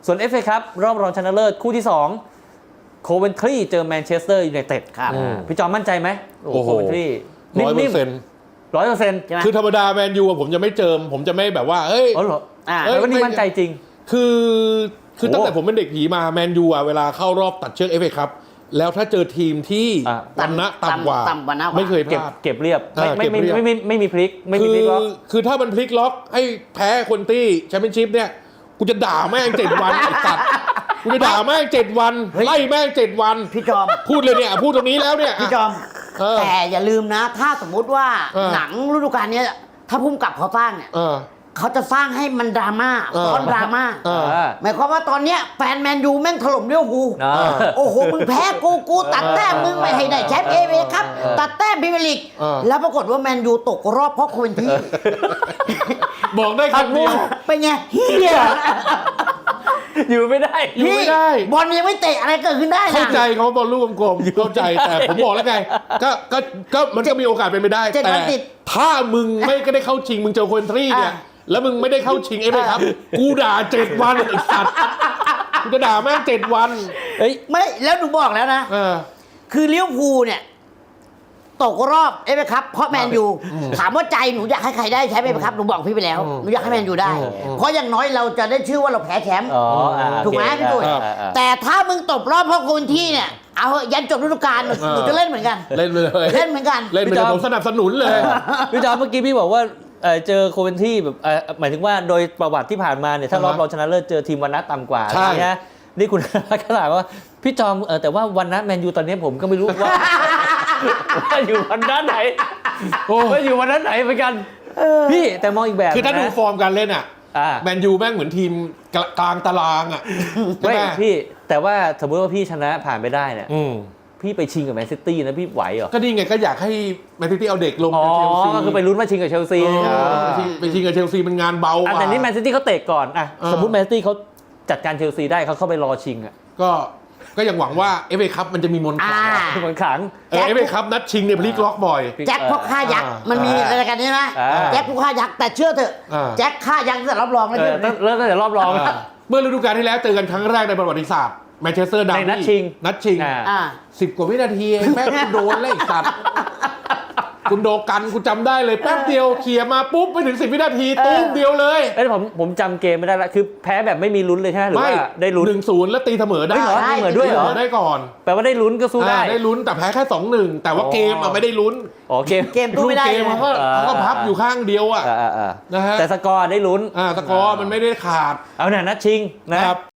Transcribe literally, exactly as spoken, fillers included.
ส่วน เอฟ เอ ครับรอบรองชนะเลิศคู่ที่สองโคเวนทรีเจอแมนเชสเตอร์ยูไนเต็ดครับพี่จอมมั่นใจไหมโอ้โหโคเวนทรีร้อยเปอร์เซ็นต์ร้อยเปอร์เซ็นต์คือธรรมดาแมนยูผมจะไม่เจิมผมจะไม่แบบว่าเฮ้ยอ๋อเหรอแล้ววันนี้มั่นใจจริงคือคือตั้งแต่ผมเป็นเด็กผีมาแมนยูอ่ะเวลาเข้ารอบตัดเชือก เอฟ เอ ครับแล้วถ้าเจอทีมที่วันณะต่ำกว่าไม่เคยพลาดเก็บเรียบไม่ไม่ไม่ไม่ไม่มีพลิกไม่มีพลิกล็อกคือถ้ามันพลิกล็อกให้แพ้คนที่แชมเปี้ยนชิพเนี่ยกูจะด่าแม่งเจ็ดวันไอ้สัตว์กูจะด่าแม่งเจ็ดวันไล่แม่งเจ็ดวันพี่จอมพูดเลยเนี่ยพูดตรงนี้แล้วเนี่ยพี่จอมแต่อย่าลืมนะถ้าสมมุติว่าหนังฤดูกาลนี้ถ้าพุ่มกับเขาสร้างเนี่ยเขาจะสร้างให้มันดราม่าซ้อนดราม่าหมายความว่าตอนเนี้ยแฟนแมนยูแม่งถล่มเลี้ยวกูโอ้โหมึงแพ้กูกูตัดแต้มมึงไม่ให้ได้แชมป์เอเวครับตัดแต้มพรีเมียร์ลีกแล้วปรากฏว่าแมนยูตกรอบเพราะโคเวนทรีบอกได้คำเดียวเป็นไงเฮียอยู่ไม่ได้อยู่ไม่ได้บอลยังไม่เตะอะไรเกิดขึ้นได้นะเข้าใจเขาบอลลูกกลมๆเข้าใจแต่ผมบอกแล้วไงก็ก็ก็มันก็มีโอกาสเป็นไปได้แต่ถ้ามึงไม่ก็ได้เข้าชิงมึงเจอโคเวนทรีเนี่ยแล้วมึงไม่ได้เข้าชิงเอฟเอครับกูด่าเจ็ดวันไอ้สัตว์กูจะด่าแม่งเจ็ดวันเฮ้ยไม่แล้วหนูบอกแล้วนะคือลิเวอร์พูลเนี่ยตกรอบเอฟเอครับเพราะแมนยูถามว่าใจหนูอยากให้ใครได้แชมป์เอฟเอครับหนูบอกพี่ไปแล้วหนูอยากให้แมนยูได้เพราะอย่างน้อยเราจะได้ชื่อว่าเราแพ้แชมป์ถูกไหมพี่ตุ้ยแต่ถ้ามึงตกรอบเพราะคนที่เนี่ยเอายันจบฤดูกาลหนูจะเล่นเหมือนกันเล่นเลยเล่นเหมือนกันเล่นเหมือนกันผมสนับสนุนเลยพี่จอมเมื่อกี้พี่บอกว่าเจอโคเวนทรีแบบหมายถึงว่าโดยประวัติที่ผ่านมาเนี่ยถ้ารอบรองชนะเลิศเจอทีมวันนัดต่ำกว่าใช่ไหมนี่คุณก็ถามว่าพี่จอมแต่ว่าวันนัดแมนยูตอนนี้ผมก็ไม่รู้ว่าว่าอยู่วันนัดไหนว่าอยู่วันนัดไหนเหมือนกันพี่แต่มองอีกแบบคือถ้าดูฟอร์มการเล่นอ่ะแมนยูแม่งเหมือนทีมกลางตารางอ่ะไม่พี่แต่ว่าสมมติว่าพี่ชนะผ่านไปได้เนี่ยพี่ไปชิงกับแมนซิตี้นะพี่ไหวเหรอก็นี่ไงก็อยากให้แมนซิตี้เอาเด็กลงกับเชลซีก็คือไปลุ้นมาชิงกับเชลซีไปชิงกับเชลซีมันงานเบากว่าแต่นี่แมนซิตี้เขาเตะก่อนอ่ะสมมติแมนซิตี้เขาจัดการเชลซีได้เขาเข้าไปรอชิงอ่ะก็ก็ยังหวังว่า เอฟ เอ คัพมันจะมีมนต์ขลังมนต์ขลังเอฟ เอ คัพนัดชิงเนี่ยพลิกล็อกบ่อยแจ็คพวกฆ่ายักษ์มันมีอะไรกันใช่ไหมแจ็คพวกฆ่ายักษ์แต่เชื่อเถอะแจ็คฆ่ายักษ์ตั้งแต่รอบรองแล้วเริ่มตั้งแต่รอบรองเมื่อฤดูกาลที่แล้วเจอกันครั้งแรกในประวัติศาสตร์แมนเชสเตอร์ดังนัดชิงนัดชิงสิบกว่าวินาทีแม่งโดนเลยสัตว์คุณโดกันคุณจำได้เลยแป๊บเดียวเขี่ยมาปุ๊บไปถึงสิบวินาทีตุ้มเดียวเลยไอ้ผมผมจำเกมไม่ได้ละคือแพ้แบบไม่มีลุ้นเลยใช่ไหมหรือว่าได้ลุ้นหนึ่งศูนย์แล้วตีเสมอได้ได้เหมือนด้วยเหรอได้ก่อนแปลว่าได้ลุ้นก็สู้ได้ได้ลุ้นแต่แพ้แค่สองหนึ่งแต่ว่าเกมอ่ะไม่ได้ลุ้นอ๋อเกมเกมตู้ไม่ได้เกมเขาก็เขาก็พับอยู่ข้างเดียวอ่ะนะฮะแต่สกอร์ได้ลุ้นอ่าสกอร์มันไม่ได้ขาดเอาเนี่ยนัดชิงนะครับ